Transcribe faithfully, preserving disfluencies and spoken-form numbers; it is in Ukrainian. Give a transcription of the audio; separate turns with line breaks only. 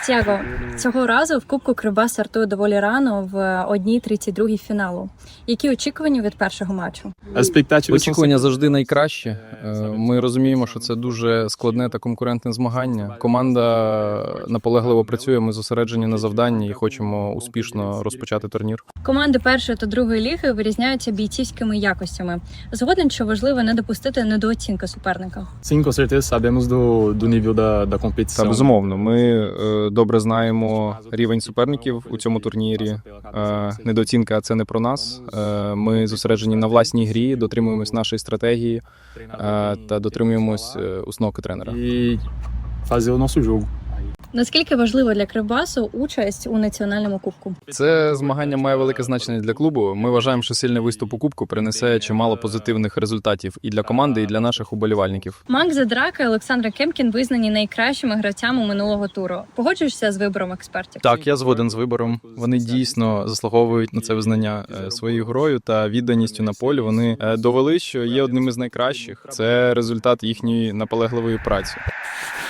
Тяго, цього разу в Кубку Кривбас стартує доволі рано в одній тридцять другій фіналу. Які очікування від першого матчу?
Очікування завжди найкраще. Ми розуміємо, що це дуже складне та конкурентне змагання. Команда наполегливо працює, ми зосереджені на завданні і хочемо успішно розпочати турнір.
Команди першої та другої ліги вирізняються бійцівськими якостями. Згоден, що важливо не допустити недооцінки суперника.
Sim, com certeza sabemos do, do nível da, da
Та
competição.
безумовно, ми е, добре знаємо рівень суперників у цьому турнірі. Е, недооцінка – це не про нас. Е, ми зосереджені на власній грі, дотримуємось нашої стратегії е, та дотримуємось е, установки тренера.
E fazer o nosso jogo.
Наскільки важливо для Кривбасу участь у національному кубку?
Це змагання має велике значення для клубу. Ми вважаємо, що сильний виступ у кубку принесе чимало позитивних результатів і для команди, і для наших уболівальників.
Макс Задрака і Олександр Кемкін визнані найкращими гравцями минулого туру. Погоджуєшся з вибором експертів?
Так, я згоден з вибором. Вони дійсно заслуговують на це визнання е, своєю грою та відданістю на полі. Вони е, довели, що є одним із найкращих. Це результат їхньої наполегливої праці.